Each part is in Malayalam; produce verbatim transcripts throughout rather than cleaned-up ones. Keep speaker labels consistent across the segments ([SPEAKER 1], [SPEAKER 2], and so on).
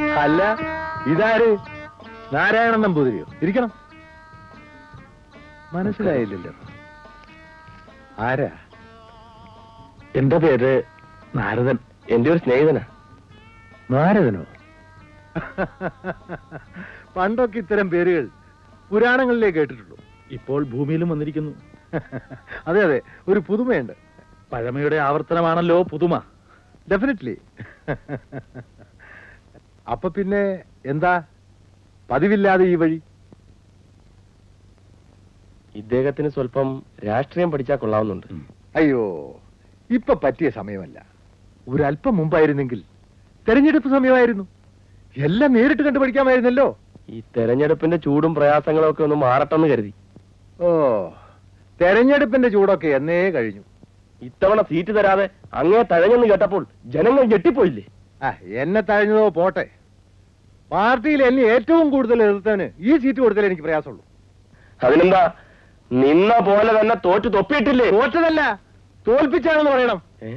[SPEAKER 1] അല്ല, ഇതാര്? നാരായണൻ നമ്പൂതിരിയോ? ഇരിക്കണം. മനസ്സിലായില്ലല്ലോ. ആരാ?
[SPEAKER 2] എന്റെ പേര് നാരദൻ.
[SPEAKER 3] എന്റെ ഒരു സ്നേഹിതനാ.
[SPEAKER 1] നാരദനോ? പണ്ടൊക്കെ ഇത്തരം പേരുകൾ പുരാണങ്ങളിലേ കേട്ടിട്ടുള്ളൂ.
[SPEAKER 2] ഇപ്പോൾ ഭൂമിയിലും വന്നിരിക്കുന്നു.
[SPEAKER 1] അതെ അതെ, ഒരു പുതുമയുണ്ട്.
[SPEAKER 2] പഴമയുടെ ആവർത്തനമാണല്ലോ പുതുമ.
[SPEAKER 1] ഡെഫിനറ്റ്ലി. അപ്പൊ പിന്നെ എന്താ പതിവില്ലാതെ ഈ വഴി?
[SPEAKER 3] ഇദ്ദേഹത്തിന് സ്വല്പം രാഷ്ട്രീയം പഠിച്ചാൽ കൊള്ളാവുന്നുണ്ട്.
[SPEAKER 1] അയ്യോ, ഇപ്പൊ പറ്റിയ സമയമല്ല. ഒരല്പം മുമ്പായിരുന്നെങ്കിൽ തെരഞ്ഞെടുപ്പ് സമയമായിരുന്നു. എല്ലാം നേരിട്ട് കണ്ടു പഠിക്കാമായിരുന്നല്ലോ.
[SPEAKER 3] ഈ തെരഞ്ഞെടുപ്പിന്റെ ചൂടും പ്രയാസങ്ങളും ഒക്കെ ഒന്ന് മാറട്ടെന്ന് കരുതി.
[SPEAKER 1] ഓ, തെരഞ്ഞെടുപ്പിന്റെ ചൂടൊക്കെ എന്നേ കഴിഞ്ഞു.
[SPEAKER 3] ഇത്തവണ സീറ്റ് തരാതെ അങ്ങേ തഴഞ്ഞെന്ന് കേട്ടപ്പോൾ ജനങ്ങൾ ഞെട്ടിപ്പോയില്ലേ?
[SPEAKER 1] ആ, എന്നെ തഴഞ്ഞതോ പോട്ടെ. പാർട്ടിയിൽ എന്നെ ഏറ്റവും കൂടുതൽ എതിർത്തവന് ഈ സീറ്റ് കൊടുത്താലേ എനിക്ക് പ്രയാസമുള്ളൂ.
[SPEAKER 3] അതിനെന്താ, നിന്ന പോലെ തന്നെ തോറ്റു തൊപ്പിയിട്ടില്ലേ?
[SPEAKER 1] തോറ്റതല്ല, തോൽപ്പിച്ചാണെന്ന് പറയണം.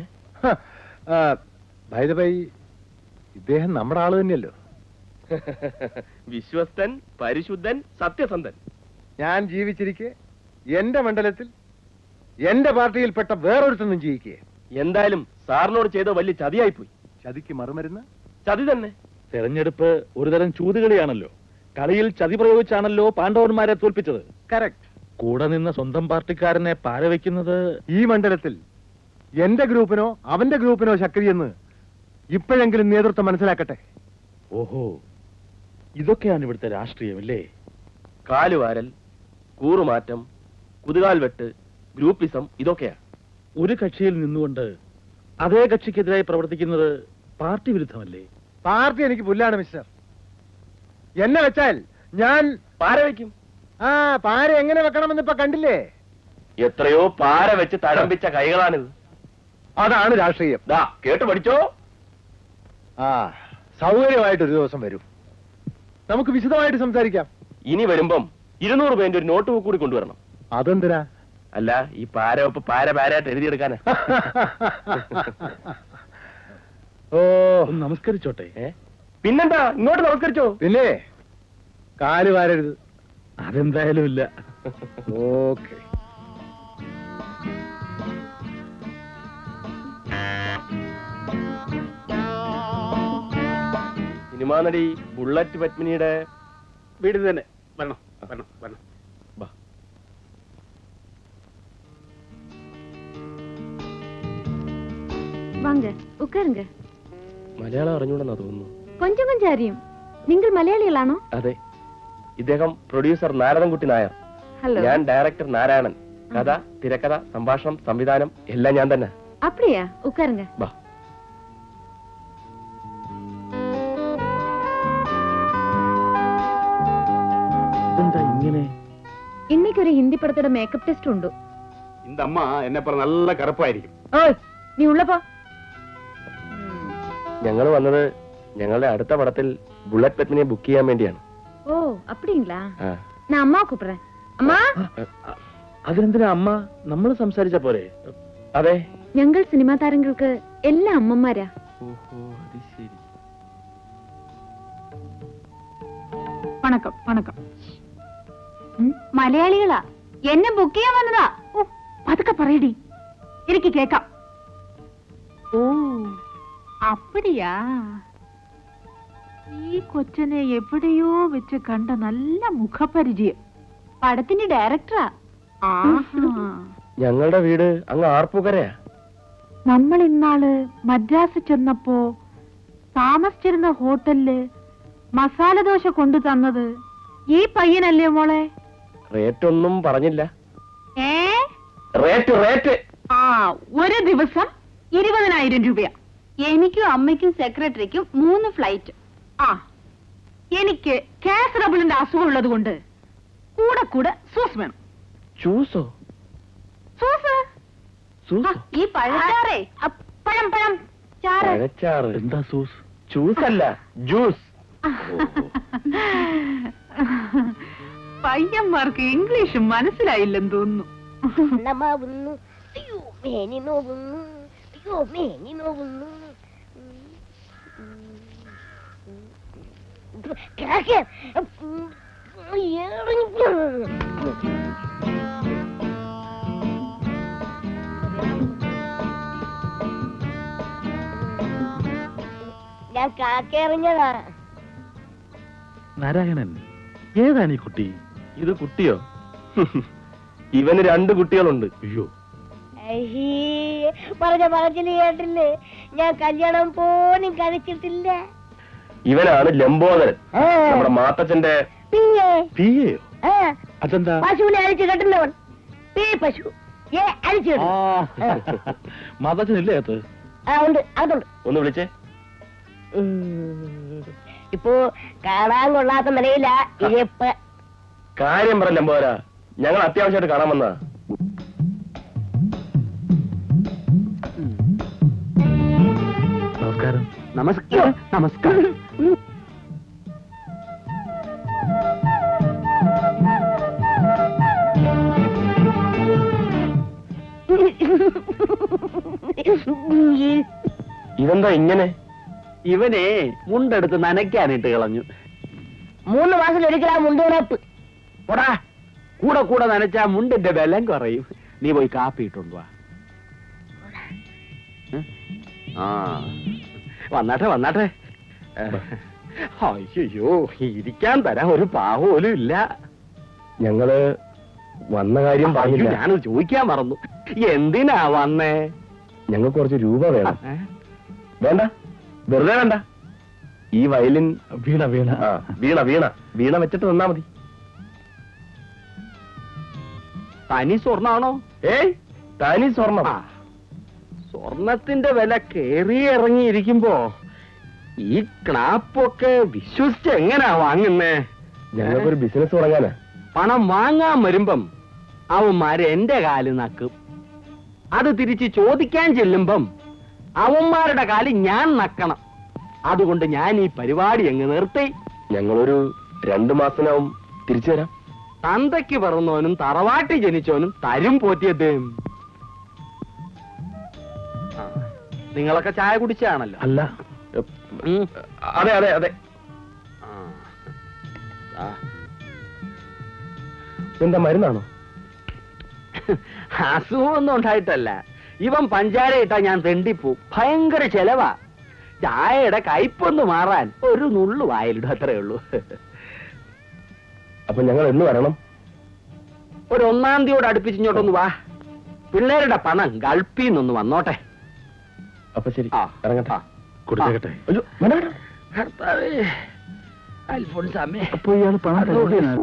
[SPEAKER 1] ബൈ ദ ബൈ, ഇദ്ദേഹം നമ്മുടെ ആള് തന്നെയല്ലോ.
[SPEAKER 3] വിശ്വസ്തൻ, പരിശുദ്ധൻ, സത്യസന്ധൻ.
[SPEAKER 1] ഞാൻ ജീവിച്ചിരിക്കെ എന്റെ മണ്ഡലത്തിൽ എന്റെ പാർട്ടിയിൽപ്പെട്ട വേറൊരുത്തൊന്നും ജീവിക്കേ.
[SPEAKER 3] എന്തായാലും സാറിനോട് ചെയ്ത വലിയ ചതിയായിപ്പോയി.
[SPEAKER 1] ചതിക്ക് മറുമരുന്ന്
[SPEAKER 3] ചതി തന്നെ.
[SPEAKER 2] തെരഞ്ഞെടുപ്പ് ഒരുതരം ചൂതുകളിയാണല്ലോ. കളിയിൽ ചതി പ്രയോഗിച്ചാണല്ലോ പാണ്ഡവന്മാരെ തോൽപ്പിച്ചത്.
[SPEAKER 1] കറക്റ്റ്.
[SPEAKER 2] കൂടെ നിന്ന് സ്വന്തം പാർട്ടിക്കാരനെ പാരവയ്ക്കുന്നത്
[SPEAKER 1] ഈ മണ്ഡലത്തിൽ എന്റെ ഗ്രൂപ്പിനോ അവന്റെ ഗ്രൂപ്പിനോ ശക്തിയെന്ന് ഇപ്പോഴെങ്കിലും നേതൃത്വം മനസ്സിലാക്കട്ടെ.
[SPEAKER 2] ഓഹോ, ഇതൊക്കെയാണ് ഇവിടുത്തെ രാഷ്ട്രീയമല്ലേ?
[SPEAKER 3] കാലുവാരൽ, കൂറുമാറ്റം, കുതുകാൽ വെട്ട്, ഗ്രൂപ്പിസം, ഇതൊക്കെയാ.
[SPEAKER 2] ഒരു കക്ഷിയിൽ നിന്നുകൊണ്ട് അതേ കക്ഷിക്കെതിരായി പ്രവർത്തിക്കുന്നത് പാർട്ടി വിരുദ്ധമല്ലേ?
[SPEAKER 1] പാർട്ടി എനിക്ക് പുല്ലാണ് മിസ്റ്റർ. എന്നെ വെച്ചാൽ ഞാൻ
[SPEAKER 3] പാര വയ്ക്കും.
[SPEAKER 1] ആ, പാര എങ്ങനെ വെക്കണമെന്ന് ഇപ്പൊ കണ്ടില്ലേ?
[SPEAKER 3] എത്രയോ പാര വെച്ച് തഴമ്പിച്ച കൈകളാണിത്.
[SPEAKER 1] അതാണ് രാഷ്ട്രീയം.
[SPEAKER 3] ദാ കേട്ടു പഠിച്ചോ.
[SPEAKER 1] ആ, സൗകര്യമായിട്ട് ഒരു ദിവസം വരും, നമുക്ക് വിശദമായിട്ട് സംസാരിക്കാം.
[SPEAKER 3] ഇനി വരുമ്പം ഇരുന്നൂറ് പേന്റെ ഒരു നോട്ട് ബുക്ക് കൂടി കൊണ്ടുവരണം.
[SPEAKER 1] അതെന്തിനാ?
[SPEAKER 3] അല്ല, ഈ പാര ഒപ്പ് പാര പാരായിട്ട് എഴുതിയെടുക്കാനാ.
[SPEAKER 1] ഓ,
[SPEAKER 2] നമസ്കരിച്ചോട്ടെ.
[SPEAKER 3] പിന്നെന്താ, ഇങ്ങോട്ട് നമസ്കരിച്ചോ.
[SPEAKER 1] പിന്നെ കാല് വാരരുത്.
[SPEAKER 2] അതെന്തായാലും ഇല്ല.
[SPEAKER 1] ഓക്കെ.
[SPEAKER 3] സിനിമാ നടി ബുള്ളറ്റ് പത്മിനിയുടെ
[SPEAKER 4] വീട് തന്നെ. വരണം വരണം വരണം.
[SPEAKER 5] வாங்க உட்காருங்க.
[SPEAKER 3] മലയാളം അറിഞ്ഞൂടെന്നാ തോന്നുന്നു.
[SPEAKER 5] கொஞ்சம் கொஞ்சம் அறியும். നിങ്ങൾ മലയാളികളാണോ?
[SPEAKER 3] അതെ. ഇദ്ദേഹം പ്രൊഡ്യൂസർ നാരദൻകുട്ടി നായർ.
[SPEAKER 5] ഹലോ.
[SPEAKER 3] ഞാൻ ഡയറക്ടർ നാരായണൻ. കഥ, തിരക്കഥ, സംഭാഷണം, സംവിധാനം എല്ലാം ഞാൻ തന്നെ.
[SPEAKER 5] அப்படியா? உட்காருங்க.
[SPEAKER 3] വാ.
[SPEAKER 2] ഇതെന്താ ഇങ്ങനെ?
[SPEAKER 5] இன்னைக்கு ஒரு ஹிந்தி படத்தோட மேக்கப் டெஸ்ட் உண்டு.
[SPEAKER 4] இந்த அம்மா என்ன பண்ண நல்ல கருப்பாയിരിക്കും.
[SPEAKER 5] ஓய், நீ உள்ள போ.
[SPEAKER 3] ഞങ്ങൾ വന്നത് ഞങ്ങളുടെ അടുത്ത പടത്തിൽ ബുള്ളറ്റ് പത്മിനിയെ ബുക്ക് ചെയ്യാൻ വേണ്ടിയാണ്.
[SPEAKER 5] ഓ, அப்படிங்களா? நான் அம்மா கூப்பிடுறேன். അമ്മാ.
[SPEAKER 2] അതിനെന്തിനാ അമ്മ? നമ്മൾ സംസാരിച്ച പോരെ?
[SPEAKER 3] അതെ,
[SPEAKER 5] ഞങ്ങൾ സിനിമാ താരങ്ങൾക്ക് എല്ലാ അമ്മമാരാ.
[SPEAKER 3] ഓഹോ, അത് ശരി.
[SPEAKER 5] വണക്കം വണക്കം. മലയാളികളാ, എന്നെ ബുക്ക് ചെയ്യാൻ വന്നതാ. ഓ, പതുക്കെ പറയടി, എനിക്ക് കേക്കാം. ഓ, അപ്പടിയാ. ഈ കൊച്ചനെ എവിടെയോ വെച്ച് കണ്ട നല്ല മുഖപരിചയം. പടത്തിന്റെ ഡയറക്ടറാ.
[SPEAKER 3] ഞങ്ങളുടെ വീട് അങ്ങ് ആർപ്പുകരയാ.
[SPEAKER 5] നമ്മൾ ഇന്നാള് മദ്രാസ് ചെന്നപ്പോ താമസിച്ചിരുന്ന ഹോട്ടലില് മസാല ദോശ കൊണ്ടു തന്നത് ഈ പയ്യനല്ലേ മോളെ?
[SPEAKER 3] റേറ്റ് ഒന്നും പറഞ്ഞില്ല.
[SPEAKER 5] ഏ,
[SPEAKER 3] റേറ്റ് റേറ്റ്
[SPEAKER 5] ആ, ഒരു ദിവസം ഇരുപതിനായിരം രൂപയാ. എനിക്കും അമ്മയ്ക്കും സെക്രട്ടറിക്കും മൂന്ന് ഫ്ലൈറ്റ്. ആ, എനിക്ക് കാസറബിളിന്റെ അസുഖം ഉള്ളത് കൊണ്ട് കൂടെ കൂടെ സൂസ് വേണം.
[SPEAKER 3] ചൂസോ?
[SPEAKER 5] സൂസ്? ഈ പഴച്ചാറേ, പഴം പഴം ചാറ്.
[SPEAKER 3] പഴച്ചാറ്.
[SPEAKER 2] എന്താ സൂസ്?
[SPEAKER 3] ചൂസല്ല, ജ്യൂസ്.
[SPEAKER 5] പയ്യന്മാർക്ക് ഇംഗ്ലീഷ് മനസ്സിലായില്ലെന്ന് തോന്നുന്നു.
[SPEAKER 6] അയ്യോ മേനി നോവുന്നു, അയ്യോ മേനി നോവുന്നു. കാക്ക ഞാൻ കാക്ക എറിഞ്ഞതാ.
[SPEAKER 2] നാരായണൻ, ഏതാണ് ഈ കുട്ടി?
[SPEAKER 3] ഇത് കുട്ടിയോ? ഇവന് രണ്ട് കുട്ടികളുണ്ട്.
[SPEAKER 2] അയ്യോ,
[SPEAKER 6] അയ്യേ, പറഞ്ഞ പറച്ചില് കേട്ടില്ലേ? ഞാൻ കല്യാണം പോലും കഴിച്ചിട്ടില്ല.
[SPEAKER 3] ഇവനാണ് ലംബോദരൻ,
[SPEAKER 6] ആ.
[SPEAKER 3] നമ്മുടെ മാത്തച്ഛന്റെ.
[SPEAKER 6] പിന്നെ
[SPEAKER 2] പിയെയോ?
[SPEAKER 6] ആ,
[SPEAKER 2] അതെന്താ?
[SPEAKER 6] പശുവിനെ അഴിച്ചു കെട്ടുന്നവൻ. പി പശു ഏ അഴിച്ചു കെട്ടും.
[SPEAKER 2] മാതാച്ചനില്ലേ അത്?
[SPEAKER 6] ആ ഉണ്ട്, അതുണ്ട്.
[SPEAKER 3] ഒന്ന് വിളിച്ചേ.
[SPEAKER 6] ഉം. ഇപ്പോ കാണാൻ കൊള്ളാത്ത നിലയില ഇരിപ്പ്.
[SPEAKER 3] കാര്യം പറ ലംബോദര, ഞങ്ങൾ അത്യാവശ്യമായിട്ട് കാണാൻ വന്നതാ.
[SPEAKER 2] നമസ്കാരം.
[SPEAKER 4] നമസ്കാരം നമസ്കാരം.
[SPEAKER 3] ഇതെന്താ ഇങ്ങനെ?
[SPEAKER 4] ഇവനെ മുണ്ടെടുത്ത് നനയ്ക്കാനിട്ട് കളഞ്ഞു.
[SPEAKER 6] മൂന്ന് മാസം ഒരിക്കലാ മുണ്ടുണപ്പ്.
[SPEAKER 4] പോടാ, കൂടെ കൂടെ നനച്ചാ മുണ്ടിന്റെ ബലം കുറയും. നീ പോയി കാപ്പി ഇട്ടുണ്ടോ? ആ, വന്നാട്ടെ വന്നാട്ടെ. അയ്യോ, ഇരിക്കാൻ തരാൻ ഒരു പാവോലും ഇല്ല.
[SPEAKER 3] ഞങ്ങള് വന്ന കാര്യം
[SPEAKER 4] അയ്യോ,
[SPEAKER 3] പറഞ്ഞില്ല.
[SPEAKER 4] ഞാനത് ചോദിക്കാൻ മറന്നു. എന്തിനാ വന്നേ?
[SPEAKER 3] ഞങ്ങൾക്ക് കുറച്ച് രൂപ വേണം.
[SPEAKER 4] ഏ?
[SPEAKER 3] വേണ്ട, വെറുതെ വേണ്ട. ഈ വയലിൻ
[SPEAKER 2] വീണ വീണ.
[SPEAKER 3] ആ, വീണ വീണ വീണ വെച്ചിട്ട് തന്നാ മതി.
[SPEAKER 4] തനി സ്വർണ്ണാണോ?
[SPEAKER 3] ഏയ്, തനി സ്വർണം.
[SPEAKER 4] ആ, സ്വർണത്തിന്റെ വില കേറി ഇറങ്ങിയിരിക്കുമ്പോ ഈ ക്ലാപ്പൊക്കെ വിശ്വസിച്ച് എങ്ങനാ വാങ്ങുന്നേ?
[SPEAKER 3] ഞങ്ങൾക്കൊരു ബിസിനസ് തുടങ്ങാനാ.
[SPEAKER 4] പണം വാങ്ങാൻ വരുമ്പം അവന്മാര് എന്റെ കാല് നക്കും. അത് തിരിച്ച് ചോദിക്കാൻ ചെല്ലുമ്പം അവന്മാരുടെ കാല് ഞാൻ നക്കണം. അതുകൊണ്ട് ഞാൻ ഈ പരിപാടി അങ്ങ് നിർത്തി.
[SPEAKER 3] ഞങ്ങളൊരു രണ്ടു മാസത്തിനാവും തിരിച്ചു തരാം.
[SPEAKER 4] തന്തയ്ക്ക് പിറന്നവനും തറവാട്ടി ജനിച്ചവനും തരും പോറ്റിയത്. ആ, നിങ്ങളൊക്കെ ചായ കുടിച്ചാണല്ലോ.
[SPEAKER 2] അല്ല,
[SPEAKER 4] ഉം.
[SPEAKER 3] അതെ അതെ അതെ.
[SPEAKER 4] ആ. ആ.
[SPEAKER 3] എന്താ മരുന്നാണോ?
[SPEAKER 4] അസുഖമൊന്നും ഉണ്ടായിട്ടല്ല. ഇവൻ പഞ്ചാര ഇട്ടാ ഞാൻ തെണ്ടിപ്പോ. ഭയങ്കര ചെലവാ. ചായയുടെ കയ്പൊന്ന് മാറാൻ ഒരു നുള്ളു വായിലിടും, അത്രേ ഉള്ളൂ.
[SPEAKER 3] അപ്പൊ ഞങ്ങൾ എന്ന് വരണം?
[SPEAKER 4] ഒരു ഒന്നാം തീയോട് അടുപ്പിച്ചിങ്ങോട്ടൊന്ന് വാ. പിള്ളേരുടെ പണം ഗൾഫിൽ നിന്നൊന്ന് വന്നോട്ടെ.
[SPEAKER 3] അപ്പൊ ശരി,
[SPEAKER 4] ആ,
[SPEAKER 3] ഇറങ്ങട്ടെ.
[SPEAKER 4] ആ.
[SPEAKER 2] കൊടുത്തേക്കട്ടെ.
[SPEAKER 3] അയ്യോ, വേണ്ട, വേണ്ട.
[SPEAKER 4] കർത്താവേ, അൽഫോൺസാമേ.
[SPEAKER 2] അപ്പൊ ഇയാള് പണം തരില്ല.